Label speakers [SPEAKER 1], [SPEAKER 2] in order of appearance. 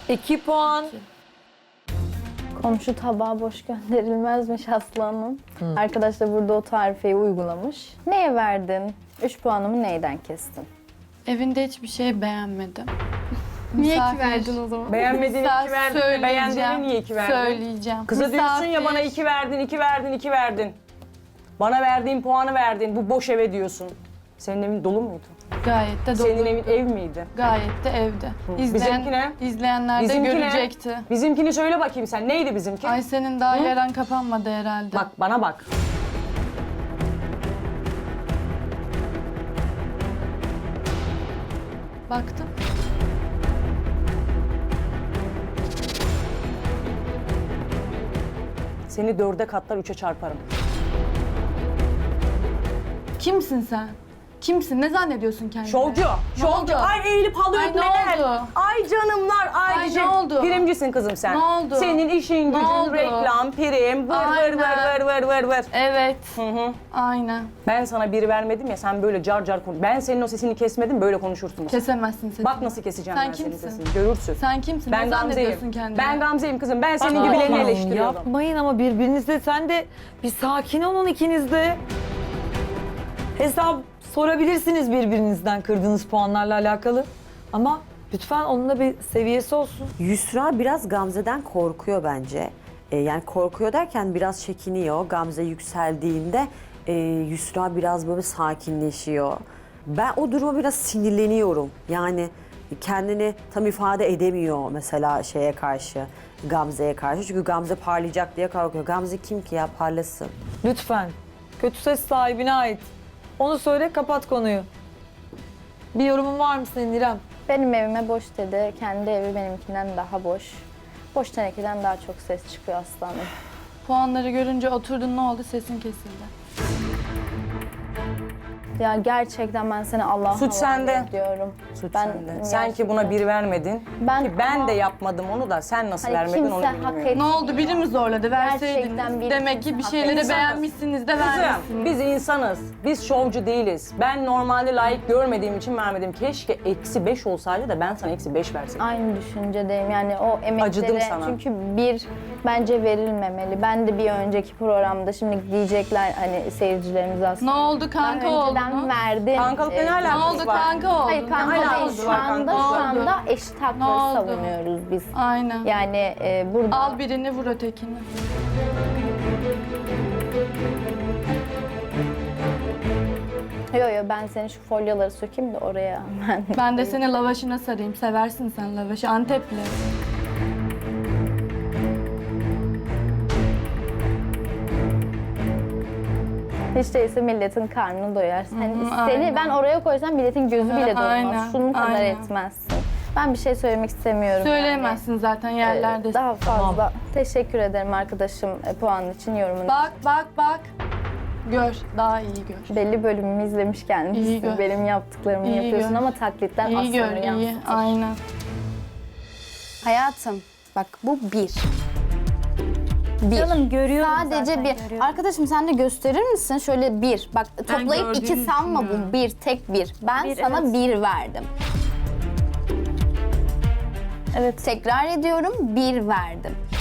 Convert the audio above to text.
[SPEAKER 1] 2 puan.
[SPEAKER 2] Komşu tabağı boş gönderilmezmiş Aslanım. Arkadaş da burada o tarifeyi uygulamış. Neye verdin? 3 puanımı neyden kestin?
[SPEAKER 3] Evinde hiçbir şey beğenmedim.
[SPEAKER 4] Niye ki
[SPEAKER 3] Misafir-
[SPEAKER 4] verdin o zaman?
[SPEAKER 5] Beğenmediğini 2 verdin de beğendiğini
[SPEAKER 3] Söyleyeceğim,
[SPEAKER 5] niye 2 verdin?
[SPEAKER 3] Söyleyeceğim.
[SPEAKER 5] Kıza diyorsun ya
[SPEAKER 3] Misafir-
[SPEAKER 5] bana 2 verdin, 2 verdin, 2 verdin. Bana verdiğin puanı verdin, bu boş eve diyorsun. Senin evin dolu muydu?
[SPEAKER 3] Gayet de dolu.
[SPEAKER 5] Senin evin ev miydi?
[SPEAKER 3] Gayet de evde.
[SPEAKER 5] Bizimki ne?
[SPEAKER 3] İzleyenler de
[SPEAKER 5] Bizimki ne?
[SPEAKER 3] görecekti.
[SPEAKER 5] Bizimkini söyle bakayım sen, neydi bizimki?
[SPEAKER 3] Ay senin daha yaran kapanmadı herhalde.
[SPEAKER 5] Bak bana bak.
[SPEAKER 3] Baktım.
[SPEAKER 5] Seni 4'e katlar 3'e çarparım.
[SPEAKER 3] Kimsin sen? Kimsin? Ne zannediyorsun kendini?
[SPEAKER 5] Şovcu, şovcu.
[SPEAKER 3] oldu?
[SPEAKER 5] Ay eğilip halı
[SPEAKER 3] Ay, ne
[SPEAKER 5] öpmeler.
[SPEAKER 3] oldu?
[SPEAKER 5] Ay canımlar, ay,
[SPEAKER 3] Ay,
[SPEAKER 5] cicim.
[SPEAKER 3] ne oldu?
[SPEAKER 5] Primcisin kızım sen.
[SPEAKER 3] Ne oldu?
[SPEAKER 5] Senin işin gücün
[SPEAKER 3] oldu?
[SPEAKER 5] reklam, prim, vır vır
[SPEAKER 3] Aynen.
[SPEAKER 5] vır vır vır vır vır.
[SPEAKER 3] Evet.
[SPEAKER 5] Hı.
[SPEAKER 3] Aynen.
[SPEAKER 5] Ben sana biri vermedim ya, sen böyle car car konuş. Ben senin o sesini kesmedim, böyle konuşursun.
[SPEAKER 3] Kesemezsin sesini.
[SPEAKER 5] Bak nasıl keseceğim
[SPEAKER 3] Sen
[SPEAKER 5] ben senin
[SPEAKER 3] kimsin?
[SPEAKER 5] sesini, görürsün.
[SPEAKER 3] Sen kimsin?
[SPEAKER 5] Ben
[SPEAKER 3] ne zannediyorsun
[SPEAKER 5] Gamze'yim.
[SPEAKER 3] kendini?
[SPEAKER 5] Ben Gamze'yim kızım, ben senin
[SPEAKER 1] Aa,
[SPEAKER 5] gibilerini eleştiriyorum.
[SPEAKER 1] Yapmayın ama birbirinizle, sen de bir sakin olun ikiniz de. Hesap sorabilirsiniz birbirinizden kırdığınız puanlarla alakalı. Ama lütfen onun da bir seviyesi olsun.
[SPEAKER 6] Yusra biraz Gamze'den korkuyor bence. Yani korkuyor derken biraz çekiniyor. Gamze yükseldiğinde Yusra biraz böyle sakinleşiyor. Ben o duruma biraz sinirleniyorum. Yani kendini tam ifade edemiyor mesela şeye karşı, Gamze'ye karşı. Çünkü Gamze parlayacak diye korkuyor. Gamze kim ki ya, parlasın.
[SPEAKER 1] Lütfen. Kötü ses sahibine ait. Onu söyle, kapat konuyu. Bir yorumun var mı senin İrem?
[SPEAKER 2] Benim evime boş dedi. Kendi evi benimkinden daha boş. Boş tenekeden daha çok ses çıkıyor Aslanım.
[SPEAKER 3] Puanları görünce oturdun, ne oldu? Sesin kesildi.
[SPEAKER 2] Ya gerçekten ben seni Allah'a
[SPEAKER 5] Suç sende.
[SPEAKER 2] ediyorum.
[SPEAKER 5] Suç
[SPEAKER 2] Ben
[SPEAKER 5] sende. Sen ki buna bir vermedin.
[SPEAKER 2] Ben
[SPEAKER 5] Ki ben
[SPEAKER 2] ama-
[SPEAKER 5] de yapmadım onu da, sen nasıl
[SPEAKER 2] Hani
[SPEAKER 5] vermedin onu
[SPEAKER 2] kimse hak
[SPEAKER 5] bilmiyorum.
[SPEAKER 2] etmiyor.
[SPEAKER 3] Ne oldu? Biri mi zorladı?
[SPEAKER 2] Gerçekten
[SPEAKER 3] Verseydiniz.
[SPEAKER 2] biri
[SPEAKER 3] Demek ki
[SPEAKER 2] kimse
[SPEAKER 3] bir
[SPEAKER 2] hak
[SPEAKER 3] şeyleri
[SPEAKER 5] etmiyor.
[SPEAKER 3] beğenmişsiniz de
[SPEAKER 5] Kızım,
[SPEAKER 3] vermişsiniz.
[SPEAKER 5] biz insanız. Biz şovcu değiliz. Ben normalde layık görmediğim için vermedim. Keşke -5 olsaydı da ben sana -5 verseydim.
[SPEAKER 2] Aynı düşüncedeyim. Yani o
[SPEAKER 5] Acıdım
[SPEAKER 2] emeklere
[SPEAKER 5] sana.
[SPEAKER 2] çünkü bir bence verilmemeli. Ben de bir önceki programda şimdi diyecekler hani seyircilerimiz
[SPEAKER 3] Ne
[SPEAKER 2] aslında.
[SPEAKER 3] oldu? Kanka
[SPEAKER 2] Ben
[SPEAKER 3] oldu
[SPEAKER 2] önceden
[SPEAKER 3] mu?
[SPEAKER 2] verdim.
[SPEAKER 5] Kankalıkla ne
[SPEAKER 3] Ne
[SPEAKER 5] alakası
[SPEAKER 3] oldu?
[SPEAKER 5] var?
[SPEAKER 3] Kanka oldu.
[SPEAKER 2] Hayır kanka
[SPEAKER 5] Ne
[SPEAKER 2] değil.
[SPEAKER 5] alakası
[SPEAKER 2] Şu
[SPEAKER 5] var
[SPEAKER 2] anda,
[SPEAKER 5] kanka?
[SPEAKER 2] şu
[SPEAKER 3] Ne oldu?
[SPEAKER 2] anda eşit
[SPEAKER 3] Ne
[SPEAKER 2] hakları
[SPEAKER 3] oldu?
[SPEAKER 2] savunuyoruz biz.
[SPEAKER 3] Aynen.
[SPEAKER 2] Yani burada
[SPEAKER 3] Al birini, vur ötekini.
[SPEAKER 2] yo ben senin şu folyoları sökeyim de oraya ben.
[SPEAKER 3] Ben de seni lavaşına sarayım. Seversin sen lavaşı. Antepli.
[SPEAKER 2] Hiç değilse milletin karnını doyarsın. Hani
[SPEAKER 3] Hı,
[SPEAKER 2] seni
[SPEAKER 3] aynen.
[SPEAKER 2] ben oraya koysam milletin gözü
[SPEAKER 3] Hı,
[SPEAKER 2] bile doymaz.
[SPEAKER 3] aynen,
[SPEAKER 2] Şunun kadar
[SPEAKER 3] aynen.
[SPEAKER 2] etmezsin. Ben bir şey söylemek istemiyorum.
[SPEAKER 3] Söyleyemezsin zaten
[SPEAKER 2] Yani.
[SPEAKER 3] yerlerde.
[SPEAKER 2] Daha fazla. Teşekkür ederim arkadaşım puanın için, yorumun.
[SPEAKER 3] Bak. Gör. Daha iyi gör.
[SPEAKER 2] Belli bölümümü izlemiş
[SPEAKER 3] İyi
[SPEAKER 2] gelmişsin.
[SPEAKER 3] gör.
[SPEAKER 2] Benim yaptıklarımı
[SPEAKER 3] İyi
[SPEAKER 2] yapıyorsun
[SPEAKER 3] gör.
[SPEAKER 2] ama taklitten
[SPEAKER 3] İyi gör,
[SPEAKER 2] aslanı
[SPEAKER 3] iyi.
[SPEAKER 2] yansıtır.
[SPEAKER 3] Aynen.
[SPEAKER 4] Hayatım, bak bu bir. Bir.
[SPEAKER 7] Canım görüyorum
[SPEAKER 4] Sadece
[SPEAKER 7] zaten,
[SPEAKER 4] bir.
[SPEAKER 7] görüyorum.
[SPEAKER 4] Arkadaşım sen de gösterir misin? Şöyle bir. Bak toplayıp iki
[SPEAKER 3] gördüğünü
[SPEAKER 4] sanma bu. Bir, tek bir. Ben
[SPEAKER 7] Bir,
[SPEAKER 4] sana
[SPEAKER 7] evet.
[SPEAKER 4] bir verdim.
[SPEAKER 7] Evet.
[SPEAKER 4] Tekrar ediyorum, bir verdim.